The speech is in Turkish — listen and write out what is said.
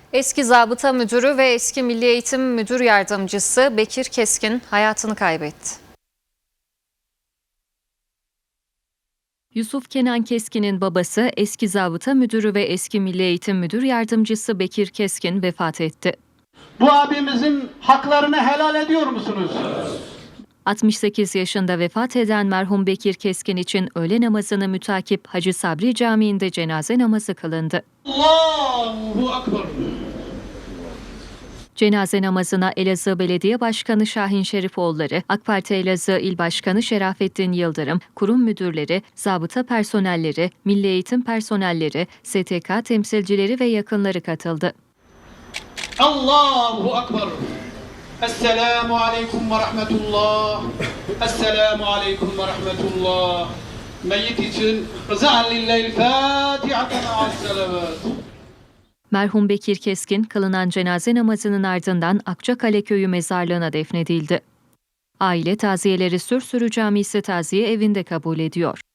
Eski zabıta müdürü ve eski Milli Eğitim Müdür Yardımcısı Bekir Keskin hayatını kaybetti. Yusuf Kenan Keskin'in babası eski zabıta müdürü ve eski Milli Eğitim Müdür Yardımcısı Bekir Keskin vefat etti. Bu abimizin haklarını helal ediyor musunuz? 68 yaşında vefat eden merhum Bekir Keskin için öğle namazını mütakip Hacı Sabri Camii'nde cenaze namazı kılındı. Allahu Ekber. Cenaze namazına Elazığ Belediye Başkanı Şahin Şerifoğulları, AK Parti Elazığ İl Başkanı Şerafettin Yıldırım, kurum müdürleri, zabıta personelleri, milli eğitim personelleri, STK temsilcileri ve yakınları katıldı. Allahu Ekber. Esselamu aleyküm ve rahmetullah. Esselamu aleyküm ve rahmetullah. Meyyit için rıza'an lillahi'l Fatiha'ten ma'as-selavat. Merhum Bekir Keskin kılınan cenaze namazının ardından Akçakale Köyü mezarlığına defnedildi. Aile taziyeleri Sürsürü Camisi Taziye Evi'nde kabul ediyor.